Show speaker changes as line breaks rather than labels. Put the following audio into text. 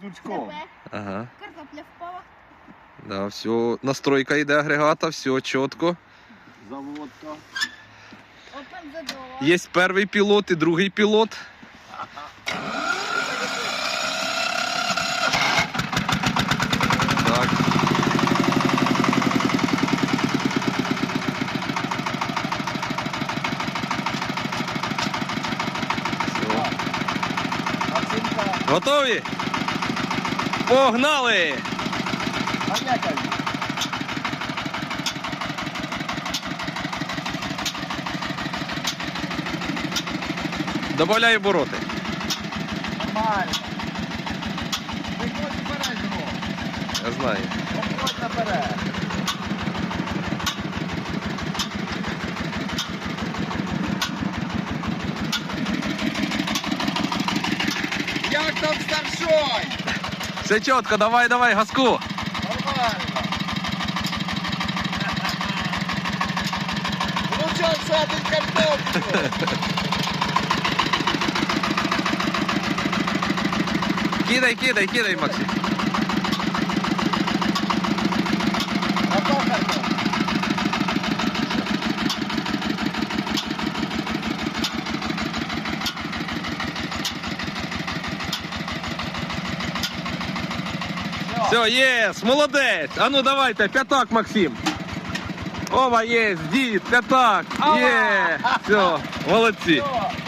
дурчком.
Ага.
Картопля впала.
Да, все. Настройка йде агрегата, все чітко.
Заводка.
Open the door.
Є перший пілот і другий пілот. Так. Все.
Оцінка.
Готові? Погнали!
Ганяка.
Добавляй обороти.
Нормально. Виходь вперед, Жро.
Я знаю.
Виходь наперед. Як там старшой?
Все чітко, давай, давай, газку.
Нормально. Внучок садить картоплю.
Кидай, кидай, кидай, Максим.
Готов картоплю?
Все, єс, молодець. А ну давайте, п'ятак, Максим. Ова, єс, дід, п'ятак. Є. Все, молодці.
Все.